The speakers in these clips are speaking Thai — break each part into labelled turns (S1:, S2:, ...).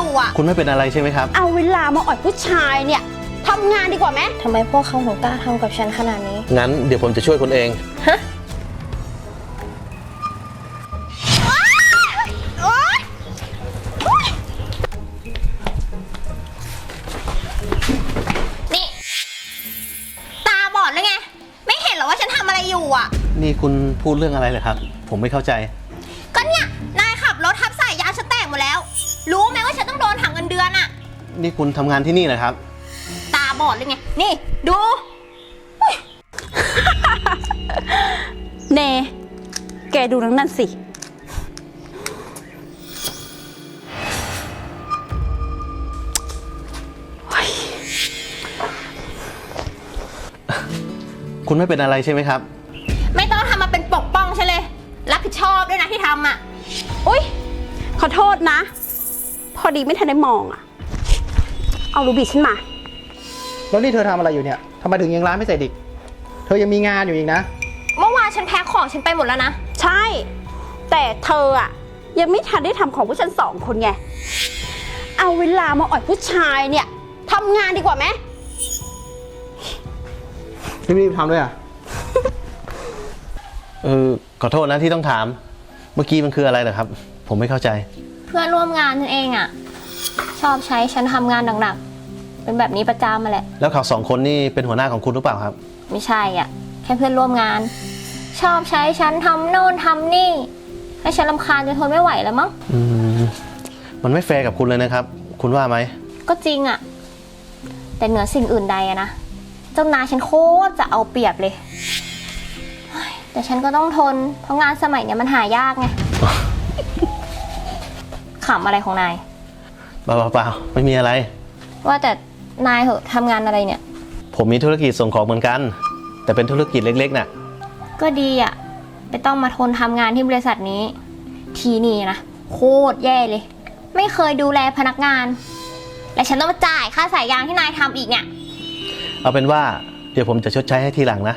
S1: อยู่อ่ะ
S2: คุณไม่เป็นอะไรใช่ไหมครับ
S1: เอาเวลามาอ่อยผู้ชายเนี่ยทำงานดีกว่าไหม
S3: ทำไมพวกเขาถึงกล้าทำกับฉันขนาดนี้
S2: งั้นเดี๋ยวผมจะช่วยคุณเอง
S3: ฮะ
S1: นี่ตาบอดหรือไงไม่เห็นเหรอว่าฉันทำอะไรอยู่อ่ะ
S2: นี่คุณพูดเรื่องอะไรเหรอครับผมไม่เข้าใจ
S1: ก็เนี่ยนายขับรถทับสายยางฉันแตกหมดแล้วรู้ไหมว่าฉันต้องโดนหักเงินเดือนอ่ะ
S2: นี่คุณทำงานที่นี่เหรอครับ
S1: ตาบอดหรือไงนี่ดู
S4: เนแกดูนั่นสิ
S2: คุณไม่เป็นอะไรใช่ไหมครับ
S1: ไม่ต้องทำมาเป็นปกป้องฉันเลยรับผิดชอบด้วยนะที่ทำอ่ะ
S4: อุ๊ยขอโทษนะพอดีไม่ทันได้มองอ่ะเอารูบิฉันมา
S5: แล้วนี่เธอทำอะไรอยู่เนี่ยทำไมถึงยังร้านไม่เสร็จอีกเธอยังมีงานอยู่อีกนะ
S1: เมื่อวานฉันแพ็คของฉันไปหมดแล้วนะ
S4: ใช่แต่เธออ่ะยังไม่ทันได้ทำของพวกฉัน2 คนไงเอาเวลามาอ่อยผู้ชายเนี่ยทำงานดีกว่าไหม
S5: รีบๆทำด้วยอ่ะ
S2: ขอโทษนะที่ต้องถามเมื่อกี้มันคืออะไรเหรอครับผมไม่เข้าใจ
S1: เพื่อนร่วมงานฉันเองอ่ะชอบใช้ฉันทำงานหนักๆเป็นแบบนี้ประจำมาแหละ
S2: แล้วเขา2 คนนี่เป็นหัวหน้าของคุณหรือเปล่าครับ
S1: ไม่ใช่อ่ะแค่เพื่อนร่วมงานชอบใช้ฉันทำโน่นทำนี่ให้ฉันรำคาญจนทนไม่ไหวแล้วมั้ง
S2: มันไม่แฟร์กับคุณเลยนะครับคุณว่าไหม
S1: ก็จริงอ่ะแต่เหนือสิ่งอื่นใดอะนะเจ้านายฉันโคตรจะเอาเปรียบเลยแต่ฉันก็ต้องทนเพราะงานสมัยเนี้ยมันหายากไง ขำอะไรของนาย
S2: เปล่าไม่มีอะไร
S1: ว่าแต่นายเหอะทำงานอะไรเนี่ย
S2: ผมมีธุรกิจส่งของเหมือนกันแต่เป็นธุรกิจเล็กๆน่ะ
S1: ก็ดีอ่ะไม่ต้องมาทนทำงานที่บริษัทนี้ทีนี่นะโคตรแย่เลยไม่เคยดูแลพนักงานและฉันต้องมาจ่ายค่าสายยางที่นายทำอีกเนี่ย
S2: เอาเป็นว่าเดี๋ยวผมจะชดใช้ให้ทีหลังนะ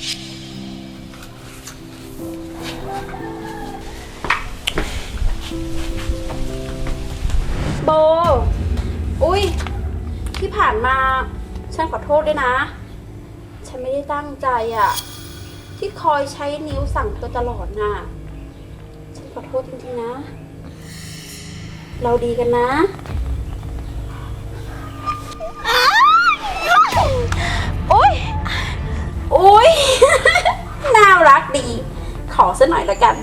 S4: โบอุ๊ยที่ผ่านมาฉันขอโทษด้วยนะฉันไม่ได้ตั้งใจอ่ะที่คอยใช้นิ้วสั่งเธอตลอดน่ะฉันขอโทษจริงๆนะเราดีกันนะอุ๊ยอุ๊ย น่ารักดีขอสักหน่อยละกัน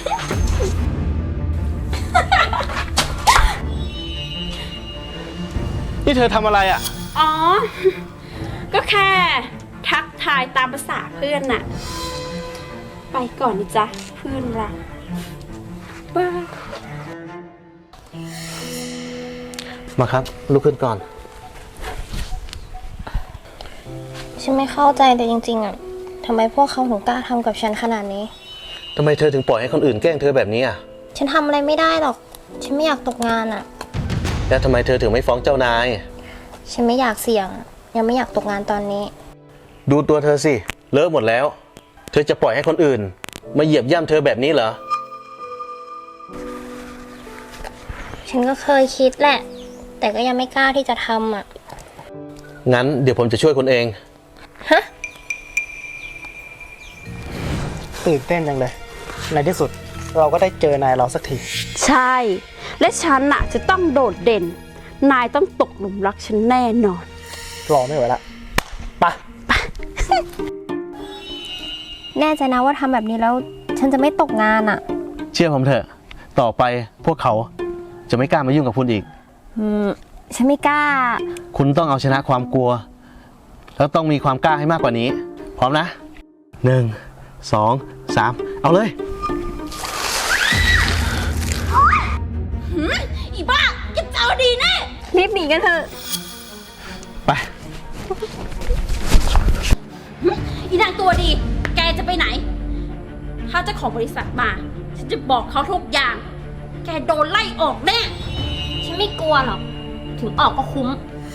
S2: นี่เธอทำอะไรอ่ะ
S4: อ๋อก็แค่ทักทายตามภาษาเพื่อนน่ะไปก่อนนะจ๊ะเพื่อนรักบาย
S2: มาครับลุกขึ้นก่อน
S3: ฉันไม่เข้าใจแต่จริงๆอ่ะทำไมพวกเขาถึงกล้าทำกับฉันขนาดนี้
S2: ทำไมเธอถึงปล่อยให้คนอื่นแกล้งเธอแบบนี้อ่ะ
S3: ฉันทำอะไรไม่ได้หรอกฉันไม่อยากตกงานอ่ะ
S2: แล้วทำไมเธอถึงไม่ฟ้องเจ้านาย
S3: ฉันไม่อยากเสี่ยงยังไม่อยากตกงานตอนนี้
S2: ดูตัวเธอสิเลอะหมดแล้วเธอจะปล่อยให้คนอื่นมาเหยียบย่ำเธอแบบนี้เหรอ
S3: ฉันก็เคยคิดแหละแต่ก็ยังไม่กล้าที่จะทำอ่ะ
S2: งั้นเดี๋ยวผมจะช่วยคุณเอง
S3: ฮะ
S5: ตื่นเต้นจังเลยในที่สุดเราก็ได้เจอนายเราสักที
S4: ใช่และฉันน่ะจะต้องโดดเด่นนายต้องตกหลุมรักฉันแน่นอน
S5: รอไม่ไหวละไป
S3: แน่ใจนะว่าทำแบบนี้แล้วฉันจะไม่ตกงานอ่ะ
S2: เชื่อผมเถอะต่อไปพวกเขาจะไม่กล้ามายุ่งกับคุณอีก
S3: ฉันไม่กล้า
S2: คุณต้องเอาชนะความกลัวแล้วต้องมีความกล้าให้มากกว่านี้พร้อมนะ1 2 3เอาเลย
S1: อีบ้าจะเจอดีแน่
S3: รีบหนีกันเถอะ
S2: ไป
S4: อีนางตัวดีแกจะไปไหนถ้าเจ้าของบริษัทมาฉันจะบอกเขาทุกอย่างแกโดนไล่ออกแน่
S1: ฉันไม่กลัวหรอกถึงออกก็คุ้ม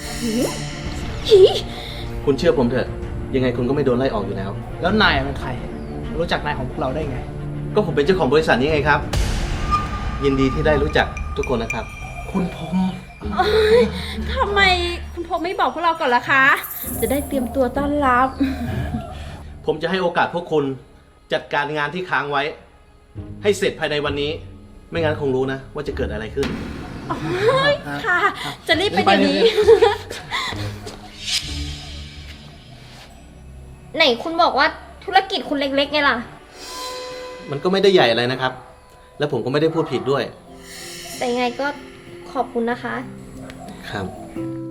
S2: คุณเชื่อผมเถอะยังไงคุณก็ไม่โดนไล่ออกอยู่แล้ว
S5: แล้วนายเป็นใครรู้จักนายของพวกเราได้ไง
S2: ก็ผมเป็นเจ้าของบริษัทนี้ไงครับยินดีที่ได้รู้จักทุกคนนะครับ
S5: คุณพงษ์
S4: ทำไมคุณพงษ์ไม่บอกพวกเราก่อนล่ะคะ จะได้เตรียมตัวต้อนรับ
S2: ผมจะให้โอกาสพวกคุณจัดการงานที่ค้างไว้ ให้เสร็จภายในวันนี้ ไม่งั้นคงรู้นะ ว่าจะเกิดอะไรขึ้น
S4: ค่ะ จะรีบไปเดี๋ยวนี้
S1: ไหนคุณบอกว่าธุรกิจคุณเล็กๆไงล่ะ
S2: มันก็ไม่ได้ใหญ่อะไรนะครับ แล้วผมก็ไม่ได้พูดผิดด้วย
S1: แต่ยังไงก็ขอบคุณนะคะ
S2: ครับ